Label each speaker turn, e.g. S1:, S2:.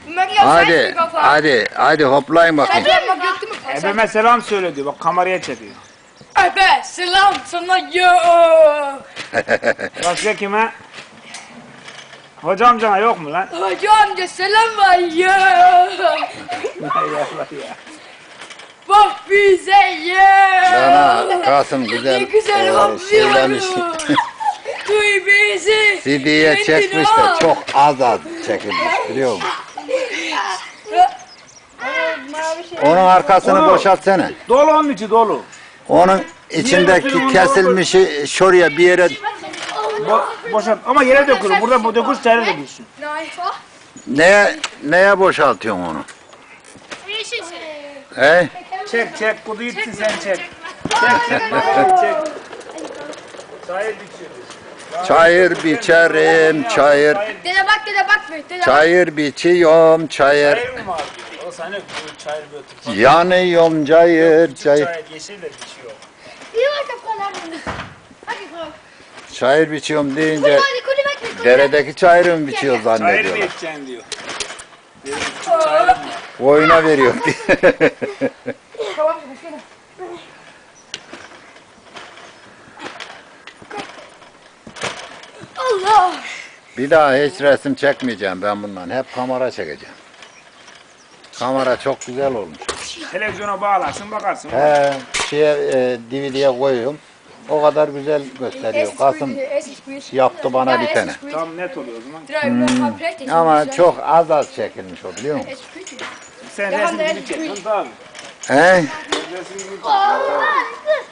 S1: Hadi, hadi hoplayın bakayım.
S2: Ebeme selam söyle diyor. Bak kameraya çekiyor.
S3: Ebe selam sana yo.
S2: Başka kime? Hoca amcana yok mu lan?
S3: Hacı amca selam var yo. Bak bize yo.
S1: Sana Kasım güzel,
S3: Ne güzel
S1: söylemiş.
S3: hopluyorum. Duy bizi.
S1: CD'ye
S3: kendin
S1: çekmiş de
S3: al.
S1: çok az çekilmiş biliyor musun? Onun arkasını
S2: Onu-
S1: boşaltsana.
S2: Dolu onun içi dolu.
S1: Onun içindeki kesilmişi şuraya bir yere
S2: Boşalt ama yere dökülür. Burada bu dökülür çayra dökülsün.
S1: neye boşaltıyorsun onu? He?
S2: Çek kudu gitsin sen çek. Çek. Çayır biçiyoruz.
S1: Çayır biçerim, çayır.
S3: Dede bak dede bak.
S1: Çayır biçiyorum, çayır.
S2: Çayır mı var? O sana bu çayır götür.
S1: Yanıyorum çayır, çayır.
S2: Çayır yeşil de biçiyor.
S1: Çayır biçiyorum deyince deredeki çayırı mı biçiyor
S2: Çayır mı
S1: zannediyorlar.
S2: içeceksin diyor. Dedim, çayır mı?
S1: Oyuna veriyor diye.
S3: Allah.
S1: Bir daha hiç resim çekmeyeceğim ben bundan. Hep kamera çekeceğim. Kamera çok güzel olmuş.
S2: Televizyona bağlarsın bakarsın.
S1: He, DVD'ye koyuyorum. O kadar güzel gösteriyor. Kasım yaptı bana bir tane.
S2: Tam net oluyor o zaman.
S1: Ama çok az çekilmiş o biliyor musun?
S2: Sen resim gibi çekiyorsun tabii.
S1: He?
S2: Resim gibi çekiyorsun.